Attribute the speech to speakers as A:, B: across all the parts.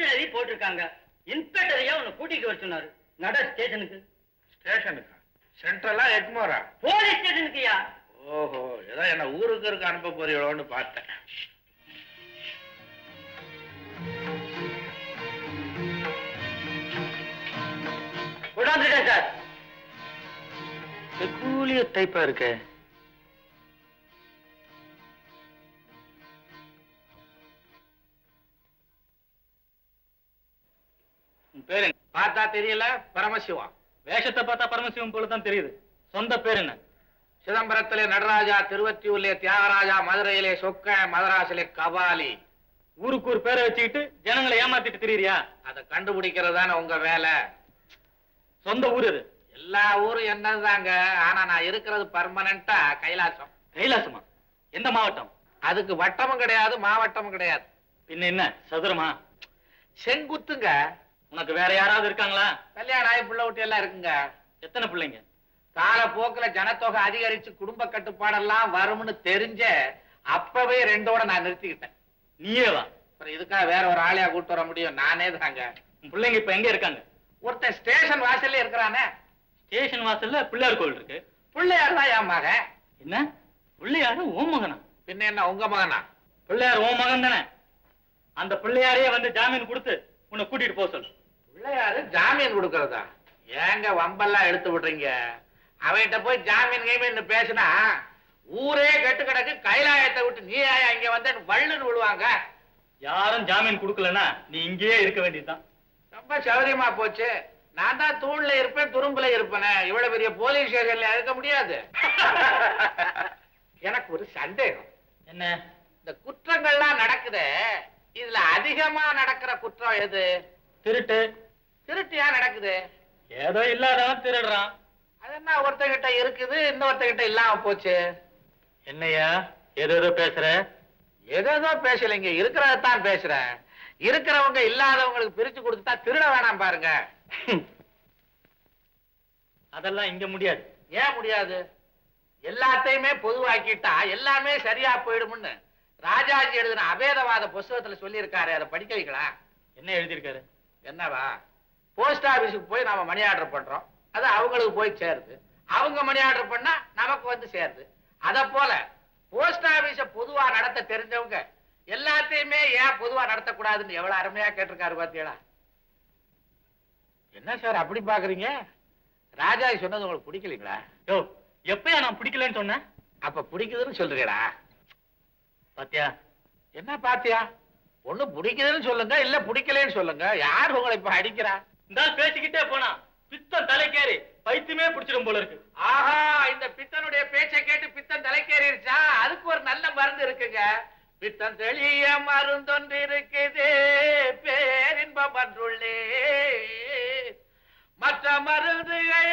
A: கடிதம் எழுதி போட்டிருக்காங்க. இன்ஸ்பெக்டரையா உன்னை கூட்டிட்டு வர சொன்னாரு. நட ஸ்டேஷனுக்கு.
B: ஸ்டேஷனுக்கா? சென்ட்ரலா எக்மோரா?
A: போலீஸ் ஸ்டேஷனுக்குயா.
B: ஓஹோ, ஏதோ என்ன ஊருக்கு இருக்க அனுப்ப போறீங்களோன்னு பார்த்தேன்.
A: கொண்டாந்துட்டேன் சார். பெக்கூலியர் டைப்பா இருக்கு.
B: பேரு பார்த்தா தெரியல? பரமசிவம்.
C: வேஷத்தை பார்த்தா பரமசிவம் போலதான் தெரியுது. சொந்த பேர் என்ன?
B: சிதம்பரத்திலே நடராஜா, திருவத்தியூர்லே தியாகராஜா, மதுரையிலே சொக்க, மதராசிலே கபாலி.
C: ஊருக்கு ஒரு பேரை வச்சுக்கிட்டு ஜனங்களை ஏமாத்திட்டு திரியறியா?
B: அதை கண்டுபிடிக்கிறதான உங்க வேலை.
C: சொந்த ஊர் இது?
B: எல்லா ஊரும் என்னதாங்க, ஆனா நான் இருக்கிறது பர்மனண்டா கைலாசம்.
C: கைலாசமா? எந்த மாவட்டம்?
B: அதுக்கு வட்டமும் கிடையாது, மாவட்டமும் கிடையாது.
C: பின்ன என்ன, சதுரமா?
B: செங்குத்துங்க.
C: உனக்கு வேற யாராவது இருக்காங்களா?
B: கல்யாணம் ஆகி பிள்ளை ஊட்டி எல்லாம் இருக்குங்க.
C: எத்தனை பிள்ளைங்க?
B: காலப்போக்குல ஜனத்தொகை அதிகரிச்சு குடும்ப கட்டுப்பாடெல்லாம் வரும்னு தெரிஞ்ச அப்பவே 2ஓட நான் நிறுத்திக்கிட்டேன்.
C: நீயே வா.
B: அப்புறம் இதுக்காக வேற ஒரு ஆளையா கூட்டு வர முடியும்? நானே தாங்க.
C: பிள்ளைங்க இப்ப எங்க இருக்காங்க?
B: ஒருத்தன் ஸ்டேஷன் வாசல்ல இருக்கிறானே.
C: ஸ்டேஷன் வாசல்ல பிள்ளையார் கோவில் இருக்கு.
B: பிள்ளையார் தான் என் மகன்.
C: என்ன பிள்ளையாரு ஓ மகனா?
B: பின்ன என்ன உங்க மகனா?
C: பிள்ளையார் ஓ மகன் தானே. அந்த பிள்ளையாரையே வந்து ஜாமீன் கொடுத்து உன்னை கூட்டிட்டு போக சொல்லு.
B: பிள்ளையாரு ஜாமீன் கொடுக்கறதா? ஏங்க வம்பெல்லாம் எடுத்து விடுறீங்க? அவன்கிட்ட போய் ஜாமீன் கீமீன் பேசினா ஊரே கெட்டு கிடக்கு. கைலாயத்தை விட்டு நீ இங்க வந்து வள்ளுன்னு விடுவாங்க.
C: யாரும் ஜாமீன் கொடுக்கலன்னா நீ இங்கேயே இருக்க வேண்டியதுதான்.
B: ரொம்ப சௌரியமா போச்சு. நான் தான் தூண்ல இருப்பேன், துரும்புல இருப்பேன். இவ்வளவு பெரிய போலீஸ் ஸ்டேஷன்ல இருக்க முடியாது. எனக்கு ஒரு சந்தேகம்.
C: என்ன?
B: இந்த குற்றங்கள்லாம் நடக்குது, இதுல அதிகமா நடக்கிற குற்றம் எது?
C: திருட்டு.
B: திருட்டியா நடக்குது?
C: ஏதோ இல்லாதவன் திருடுறான்.
B: அது என்ன ஒருத்தகிட்ட இருக்குது, இன்னொருத்தகிட்ட இல்லாம போச்சு?
C: என்னையா ஏதோ பேசுற?
B: ஏதோ பேசலைங்க, இருக்கிறதான் பேசுறேன். இருக்கிறவங்க இல்லாதவங்களுக்கு பிரிச்சு கொடுத்துட்டா திருட வேணாம் பாருங்க.
C: அதெல்லாம் இங்க முடியாது.
B: ஏன் முடியாது? எல்லாத்தையுமே பொதுவாக்கிட்டா எல்லாமே சரியா போயிடும்னு ராஜாஜி எழுதின அபேதவாத புஸ்தகத்துல சொல்லி இருக்காரு. அதை படிக்க வைக்கலாம்.
C: என்ன எழுதியிருக்காரு?
B: என்னவா? போஸ்ட் ஆபீஸுக்கு போய் நாம மணி ஆர்டர் பண்றோம், அது அவங்களுக்கு போய் சேருது. அவங்க மணி ஆர்டர் பண்ணா நமக்கு வந்து சேருது. அத போல போஸ்ட் ஆபீஸ பொதுவா நடத்த தெரிஞ்சவங்க எல்லாத்தையுமே ஏன் பொதுவா நடத்தக்கூடாதுன்னு எவ்வளவு அருமையா கேட்டிருக்காரு பாத்தீங்களா? என்ன சார் அப்படி பாக்குறீங்க? ராஜாஜி சொன்னது உங்களுக்கு பிடிக்கலீங்களா?
C: யோ, எப்பயா நான் பிடிக்கலன்னு சொன்னேன்?
B: அப்ப பிடிக்குதுன்னு சொல்றீங்களா?
C: பாத்தியா?
B: என்ன பாத்தியா? ஒண்ணு பிடிக்குதுன்னு சொல்லுங்க, இல்ல பிடிக்கலன்னு சொல்லுங்க. யார் உங்களை இப்ப அடிக்கிறா?
C: இந்த பேசிக்கிட்டே போனா பித்தம் தலைக்கேறி பைத்தியமே பிடிச்சிடும் போல இருக்கு.
B: ஆஹா, இந்த பித்தனுடைய பேச்சை கேட்டு பித்தம் தலைக்கேறிடுச்சா? அதுக்கு ஒரு நல்ல மருந்து இருக்குங்க. பித்தம் தெளிய மருந்தொன்று இருக்குது, பேரின்பம் அன்றுள்ளே மற்ற மருந்துகள்.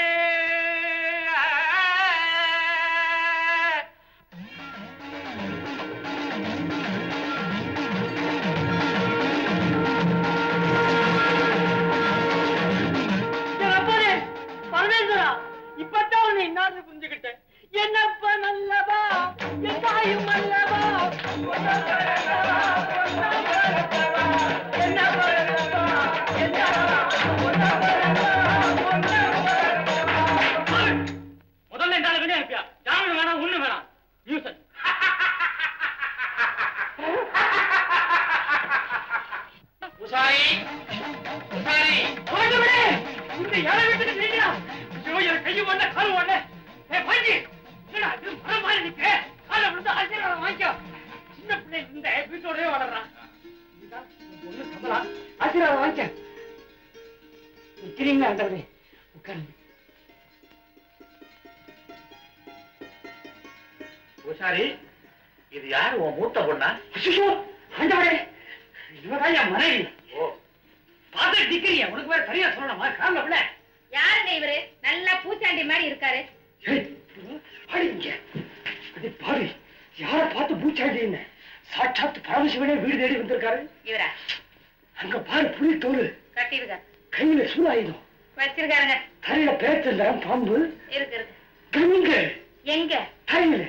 A: இப்பதான் உன்னை இன்னார்னு புரிஞ்சுக்கிட்டேன். என்னப்பா நல்லவா, என் தாயும் அல்லவா,
C: முதல்ல இந்த ஆளு வெளியே அனுப்பியா? ஜாமீன் வேணாம், ஒண்ணு வேணாம்.
B: உசாரி, உசாரி,
A: இந்த இலை வீட்டுக்கு நீங்களா? கையும் ஒண்ணு காலும் ஒண்ணு. பாஞ்சி என்னடா இது மரம் மாதிரி நிக்க? காலை விழுந்து ஆசீர்வாதம் வாங்கிக்கோ. சின்ன பிள்ளை இந்த வீட்டோடய வளர்றான். ஒண்ணு கமலா, ஆசீர்வாதம் வாங்கிக்க. நிக்கிறீங்களா? அண்டவரே உட்காருங்க.
B: உசாரி, இது யாரு? உன் மூத்த பொண்ணா?
A: ஆண்டவரே, இவதான் என் மனைவி. பார்த்து நிக்கிறீங்க, உனக்கு வேற சரியா சொல்லணுமா? காரணம் பிள்ளை
D: யாருங்க இவரு? நல்லா பூச்சாண்டி மாதிரி இருக்காரு.
A: பாரு, யார பார்த்து பூச்சாண்டி? சாட்சாத் பரமசிவனே வீடு தேடி வந்திருக்காரு.
D: இவரா?
A: அங்க பாரு, புலி தோல்
D: கட்டிருக்க,
A: கையில சூடாயுதம்
D: வச்சிருக்காருங்க.
A: தலையில பேச்சல்ல பாம்பு
D: இருக்கு இருக்கு.
A: கங்க
D: எங்க?
A: தலையில.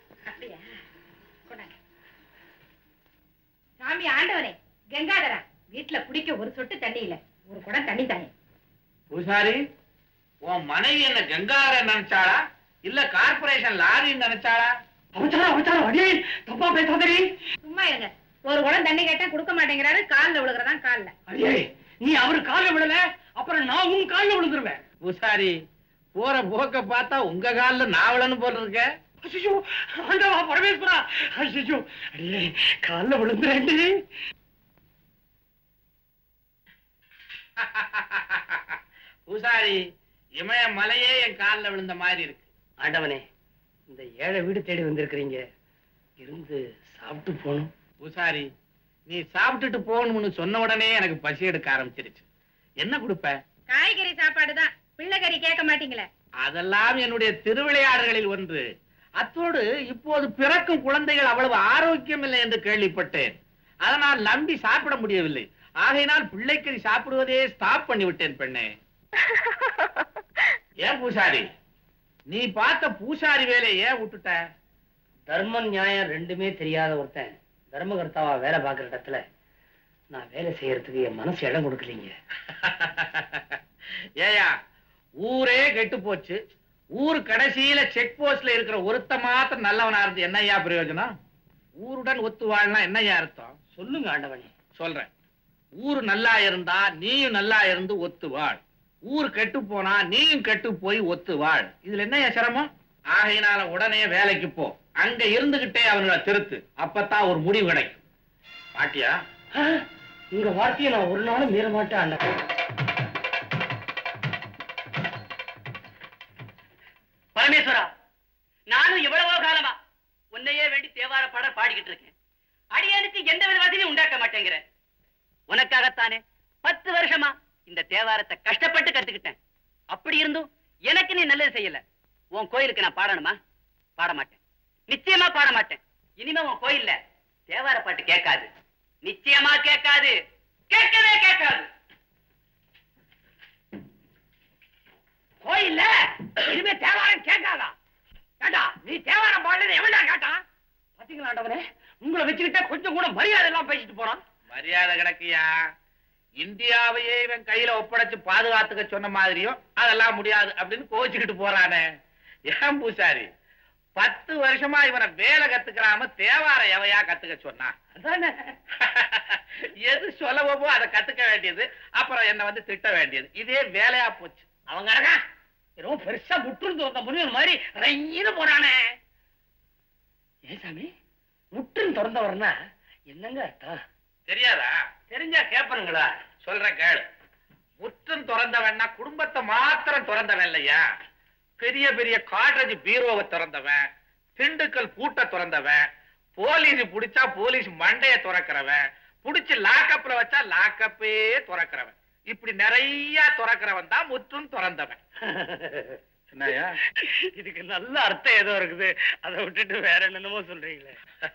D: அப்படியா? கொண்டாங்க. சாமி ஆண்டவனே, கங்காதரா, வீட்டுல குடிக்க ஒரு சொட்டு தண்ணி இல்ல, ஒரு குடம் தண்ணி தானே.
B: பூசாரி, உன் மனைவி என்ன கங்கார நினைச்சாளா இல்ல கார்பரேஷன் லாரின்னு நினைச்சாளா?
A: அடியே தப்பா பேசாதே.
D: சும்மா இருங்க. ஒரு குடம் தண்ணி கேட்டா கொடுக்க மாட்டேங்கிறாரு, கால்ல விழுகிறதான் கால்ல.
A: அடியே நீ அவரு கால்ல விழல, அப்புறம் நான் உன் கால்ல விழுந்துருவேன்.
B: பூசாரி, போற போக்க பார்த்தா உங்க கால்ல நாவலன்னு போல இருக்க.
A: ஐயோ ஆண்டவா பரமேஸ்வரா, ஐயோ அடியே கால்ல விழுந்துறேன்டி.
B: பூசாரி, இமய மலையே என் கால்ல விழுந்த மாதிரி இருக்கு.
A: ஆண்டவனே, இந்த ஏழை வீடு தேடி வந்திருக்கிறீங்க, இருந்து சாப்பிட்டு போகணும்.
B: பூசாரி, நீ சாப்பிட்டுட்டு போகணும்னு சொன்ன உடனே எனக்கு பசி எடுக்க ஆரம்பிச்சிருச்சு. என்ன கொடுப்ப?
D: காய்கறி சாப்பாடுதான், பிள்ளைகறி கேட்க மாட்டீங்களே.
B: அதெல்லாம் என்னுடைய திருவிளையாடல்களில் ஒன்று. அத்தோடு இப்போது பிறக்கும் குழந்தைகள் அவ்வளவு ஆரோக்கியம் இல்லை என்று கேள்விப்பட்டேன். அதனால் நம்பி சாப்பிட முடியவில்லை. ஆகையினால் பிள்ளைக்கறி சாப்பிடுவதே ஸ்டாப் பண்ணி விட்டேன் பெண்ணே. ஏன் பூசாரி, நீ பார்த்த பூசாரி வேலையை ஏன் விட்டுட்ட?
A: தர்மம் நியாயம் ரெண்டுமே தெரியாத ஒருத்தன் தர்மகர்த்தாவா வேலை பார்க்கிற இடத்துல நான் வேலை செய்யறதுக்கு என் மனசு இடம் கொடுக்கலீங்க.
B: ஏயா, ஊரே கெட்டு போச்சு. ஊர் கடைசியில செக் போஸ்ட்ல இருக்கிற ஒருத்த மாத்திரம் நல்லவனா இருந்து என்னையா பிரயோஜனம்? ஊருடன் ஒத்து வாழலாம் என்னையா அர்த்தம்?
A: சொல்லுங்க ஆண்டவனே.
B: சொல்றேன். ஊர் நல்லா இருந்தா நீயும் நல்லா இருந்து ஒத்து வாழ். ஊர் கெட்டு போனா நீயும் கெட்டு போய் ஒத்து வாழ். இதுல என்னையா சிரமம்? ஆகையினால உடனே வேலைக்கு போ. அங்க இருந்துகிட்டே அவங்கள திருத்து. அப்பதான் ஒரு முடிவு கிடைக்கும். பாட்டியா?
A: உங்க வார்த்தையை நான் ஒரு நாளும் மீற மாட்டேன் ஆண்டவனே.
E: பரமேஸ்வரா, நானும் எவ்வளவோ காலமா உன்னையே வேண்டி தேவார பாட பாடிக்கிட்டு இருக்கேன். அடியனுக்கு எந்த வித வசதியும் உண்டாக்க மாட்டேங்கிறேன். உனக்காகத்தானே 10 வருஷமா இந்த தேவாரத்தை கஷ்டப்பட்டு கத்துக்கிட்டேன். அப்படி இருந்தும் எனக்கு நீ நல்லது செய்யல. உன் கோயிலுக்கு நான் பாடணுமா? பாட மாட்டேன், நிச்சயமா பாட மாட்டேன். இனிமே உன் கோயில்ல தேவார பாட்டு கேட்காது, நிச்சயமா கேட்காது, கேட்கவே கேட்காது.
A: கோயில்ல இனிமே தேவாரம் கேட்காதா? கேட்டா நீ தேவாரம் பாடுறது எவன்டா கேட்டான்? பாத்தீங்களா ஆண்டவனே, உங்களை வச்சுக்கிட்ட கொஞ்சம் கூட மரியாதை எல்லாம் பேசிட்டு போறான்.
B: மரியாதை கிடைக்கியா? இந்தியாவையே இவன் கையில ஒப்படைச்சு பாதுகாத்துக்க சொன்ன மாதிரியும் அதெல்லாம் முடியாது அப்படின்னு கோச்சுக்கிட்டு போறானே. ஏன் பூசாரி, 10 வருஷமா இவனை வேலை கத்துக்கிறாம தேவார எவையா கத்துக்க சொன்னா?
A: அதானே
B: எது சொல்லவோ அதை கத்துக்க வேண்டியது, அப்புறம் என்ன வந்து திட்ட வேண்டியது. இதே வேலையா போச்சு.
A: அவங்க ஏதோ பெருசா முற்றிருந்து வந்த முனிவன் மாதிரி ரெயின்னு போறானே. ஏன் சாமி, முற்றின் திறந்தவர்னா என்னங்க அர்த்தம்?
B: தெரியாதா? தெரிஞ்சா கேப்பனுங்களா? சொல்றேன் கேளு. முற்றும் திறந்தவன்னா குடும்பத்தை மாத்திரம் திறந்தவன் இல்லையா, பெரிய பெரிய காட்ரேஜ் பீரோவை திறந்தவன், திண்டுக்கல் பூட்ட திறந்தவன், போலீஸ் புடிச்சா போலீஸ் மண்டைய திறக்கிறவன், புடிச்சு லாக்கப்ல வச்சா லாக்கப்பே திறக்கிறவன், இப்படி நிறைய திறக்கிறவன் தான் முற்றும் திறந்தவன். என்னையா
A: இதுக்கு நல்ல அர்த்தம் ஏதோ இருக்குது, அதை விட்டுட்டு வேற என்னென்னமோ சொல்றீங்களே.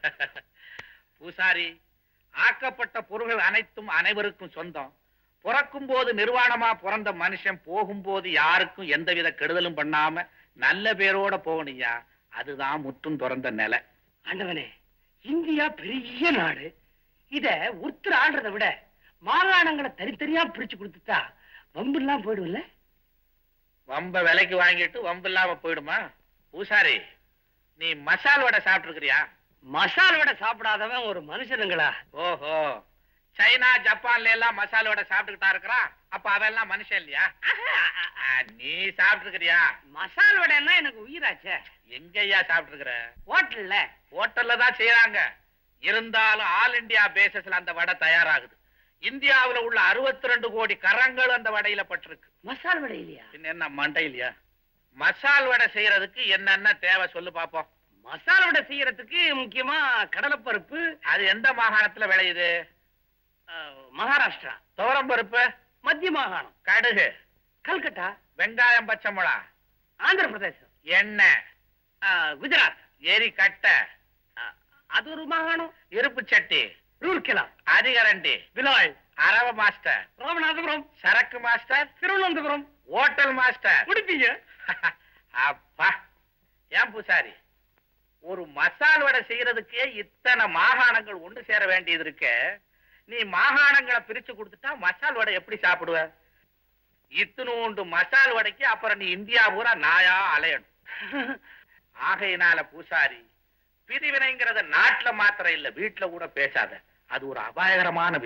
B: பூசாரி, ஆக்கப்பட்ட பொருள்கள் அனைத்தும் அனைவருக்கும் சொந்தம். பிறக்கும் போது நிர்வாணமா பிறந்த மனுஷன் போகும்போது யாருக்கும் எந்தவித கெடுதலும் பண்ணாம நல்ல பேரோட போகணுயா. அதுதான் முற்றும் திறந்த நிலை.
A: ஆண்டவனே, இந்தியா பெரிய நாடு. இத ஒருத்தர் ஆடுறதை விட மாகாணங்களை தனித்தனியா பிரிச்சு கொடுத்துட்டா வம்பு எல்லாம் போயிடும்ல.
B: வம்ப விலைக்கு வாங்கிட்டு வம்பு இல்லாம போயிடுமா? பூசாரி, நீ மசால் வடை சாப்பிட்டு இருக்கிறியா?
A: மசால் வடை சாப்பிடாதவன் ஒரு மனுஷனுங்களா?
B: ஓஹோ, சைனா ஜப்பான்ல எல்லாம் மசால் வடை சாப்பிட்டுக்கிட்டா இருக்கிறான். அப்ப அவெல்லாம் மனுஷன் இல்லையா? நீ சாப்பிட்டு இருக்கிறியா?
A: மசால் வடைன்னா எனக்கு உயிராச்சே.
B: எங்கய்யா சாப்பிட்டு இருக்கிற?
A: ஹோட்டல்ல.
B: ஹோட்டல்ல தான் செய்யறாங்க. இருந்தாலும் ஆல் இந்தியா பேசிஸ்ல அந்த வடை தயாராகுது. இந்தியாவுல உள்ள 62 கோடி கரங்கள் அந்த வடையில பட்டிருக்கு.
A: மசால் வடை இல்லையா?
B: என்ன மண்டை இல்லையா? மசால் வடை செய்யறதுக்கு என்னென்ன தேவை சொல்லு பாப்போம்.
A: மசால் வடை செய்யறதுக்கு முக்கியமா கடலைப்பருப்பு.
B: அது எந்த மாகாணத்துல விளையுது?
A: மகாராஷ்டிரா.
B: துவரம் பருப்பு
A: மத்திய மாகாணம்.
B: கடுகு
A: கல்கட்டா.
B: வெங்காயம் பச்சை மிளகா
A: ஆந்திர பிரதேசம்.
B: எண்ணெய்
A: குஜராத்.
B: எரி கட்டை
A: அது ஒரு மாகாணம்.
B: இருப்பு சட்டி
A: ரூர்கேலா.
B: அதிகரண்டி
A: விலாய்.
B: அரவ மாஸ்டர்
A: ராமநாதபுரம்.
B: சரக்கு மாஸ்டர்
A: திருவனந்தபுரம்.
B: ஹோட்டல் மாஸ்டர்
A: முடிப்பீங்க.
B: அப்பா, ஏன் பூசாரி, ஒரு மசால் வடை செய்யறதுக்கே இத்தனை மாகாணங்கள் ஒன்று சேர வேண்டியது இருக்கு. நீ மாகாணங்களை பிரிச்சு கொடுத்துட்டா மசால் வடை எப்படி சாப்பிடுவ? இத்துணூண்டு மசால் வடைக்கு அப்புறம் நீ இந்தியா பூரா நாயா அலையணும். ஆகையினால பூசாரி, பிரிவினைங்கிறத நாட்டுல மாத்திரம் இல்ல, வீட்டுல கூட பேசாத. அது ஒரு அபாயகரமான